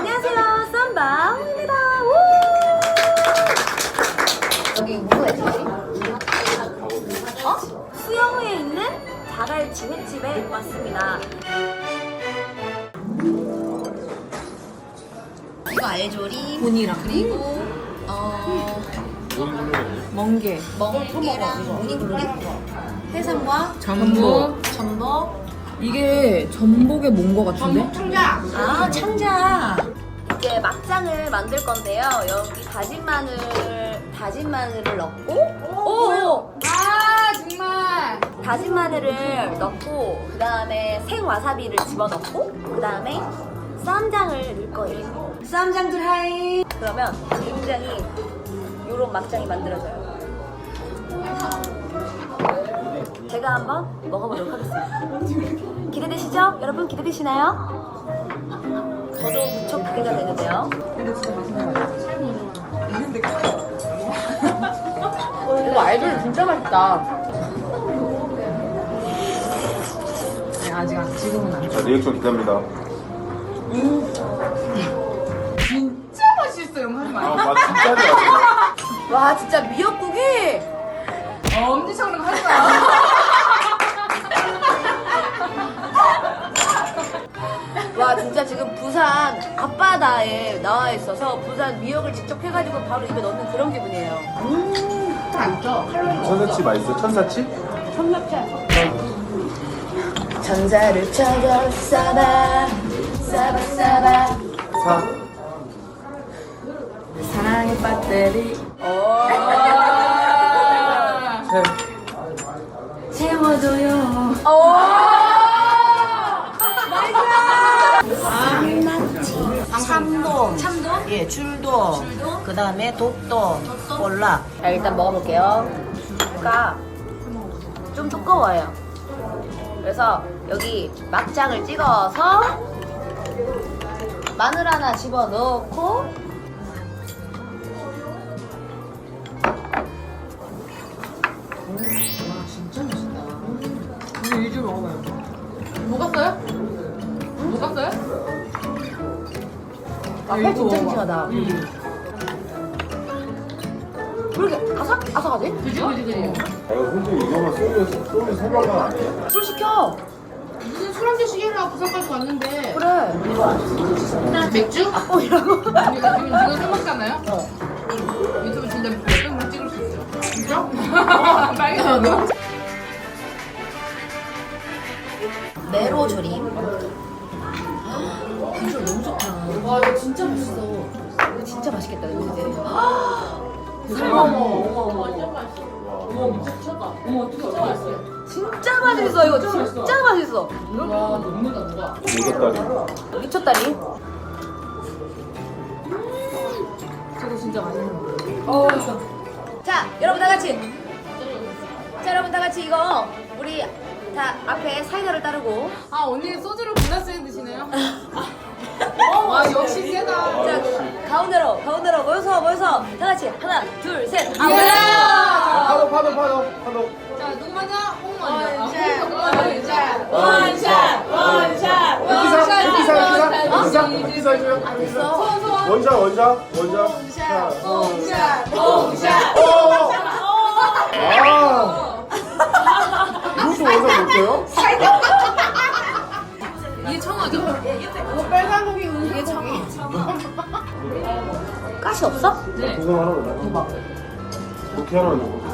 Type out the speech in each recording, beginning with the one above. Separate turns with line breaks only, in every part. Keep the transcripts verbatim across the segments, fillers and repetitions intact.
안녕하세요, 쌈방입니다. 여기 무슨 애지지? 어? 수영회에 있는 자갈치 횟집에 왔습니다. 이거 알조림,
본이랑
그리고 어
멍게,
멍게랑 무늬굴리, 해삼과
전복.
전복.
이게 전복에 뭔거 같은데?
아, 창자. 이제 막장을 만들 건데요. 여기 다진 마늘, 다진 마늘을 넣고, 오,
아 정말
다진 마늘을 넣고, 그 다음에 생 와사비를 집어 넣고, 그 다음에 쌈장을 넣을 거예요. 쌈장들 하이. 그러면 굉장히 요런 막장이 만들어져요. 제가 한번 먹어보도록 하겠습니다. 기대되시죠? 여러분 기대되시나요? 저도 무척 기대가 되는데요.
이거 알조림 진짜 맛있다. 아니, 아직 안, 지금은 안.
자, 리액션 기대합니다.
진짜 맛있어요. 하지
아,
마.
맛 진짜 좋아.
와, 진짜 미역국이
엄지척으로 하지 마.
와, 진짜 지금 부산 앞바다에 나와 있어서 부산 미역을 직접 해가지고 바로 입에 넣는 그런 기분이에요.
천사치 맛있어? 천사치?
천사를 찾아 싸바 싸바 싸바
사.
사랑의 배터리.
세.
채워줘요.
참돔,
참돔?
예, 줄돔,
줄돔?
그 다음에 독돔, 볼락.
자, 일단 먹어볼게요. 가 좀 두꺼워요. 그래서 여기 막장을 찍어서 마늘 하나 집어 넣고
이거 일주 먹어봐요.
녹았어요? 녹았어요?
아, 회 진짜 싱싱하다. 왜 이렇게 아삭 아삭하지?
그지 그지 그지.
아, 이거 솔직히 이거만 쏘면, 쏘면 생각은 아니에요.
술 시켜.
무슨 술 한잔 시키려고 부산까지 왔는데
그래.
맥주?
어, 이러고.
우리가 지금 지금 술 먹잖아요. 유튜브 진짜 몇 병만 찍을 수 있어. 진짜? 빨개졌어.
메로 조림.
비주얼 너무 좋다.
와 이거 진짜 맛있어.
이거 진짜 맛있겠다, 이제. 진짜 맛있어, 이거 진짜 맛있어.
와 녹는다 녹아.
오졌다리.
미쳤다리.
저도 진짜 맛있는
어. 자, 여러분 다 같이. 자, 여러분 다 같이 이거 우리 다 앞에 사이다를 따르고.
아 언니 소주를 골라서 드시네요? 와 역시 세다.
자, 가운데로 가운데로 모여서 모여서 다 같이 하나, 둘, 셋. 아,
예!
아, 파도, 파도, 파도, 파도.
자 누구 먼저? 홍 먼저.
원샷,
원샷
원샷, 원샷,
이기사, 이기사, 이기사.
어?
이기사, 이기사 해줘요.
안 됐어.
원샷, 원샷, 원샷. 자,
홍샷 홍샷.
어! 아! 이것도 원샷 못해요?
이게 청어죠?
이게 참. 가시 없어?
고생 하나 넣어. 이렇게 하나 넣어.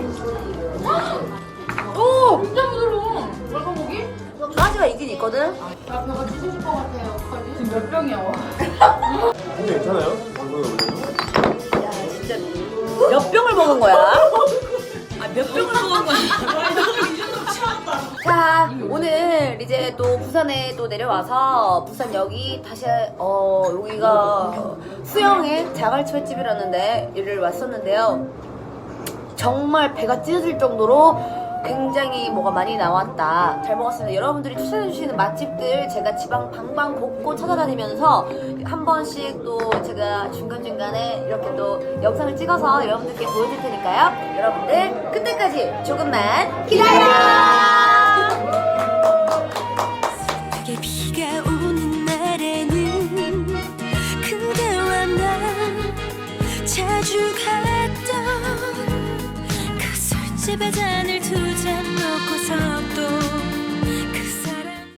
오!
진짜 부드러워. 빨간고기?
가시가 있긴 있거든.
나 배가 찢어질 것 같아요. 어떡하지? 지금 몇 병이야?
근데 괜찮아요? 방송에 올려도?
야, 진짜 몇 병을 먹은 거야? 아, 몇 병을 먹은 거야? 자, 오늘 이제 또 부산에 또 내려와서 부산역이 다시 어 여기가 수영의 자갈치 횟집이라는데 여기를 왔었는데요. 정말 배가 찢어질 정도로 굉장히 뭐가 많이 나왔다. 잘 먹었습니다. 여러분들이 추천해주시는 맛집들 제가 지방 방방 곳곳 찾아다니면서 한 번씩 또 제가 중간중간에 이렇게 또 영상을 찍어서 여러분들께 보여줄 테니까요. 여러분들 그때까지 조금만 기다려!
그게 비가 오는 날에는 그 집에 잔을 두 잔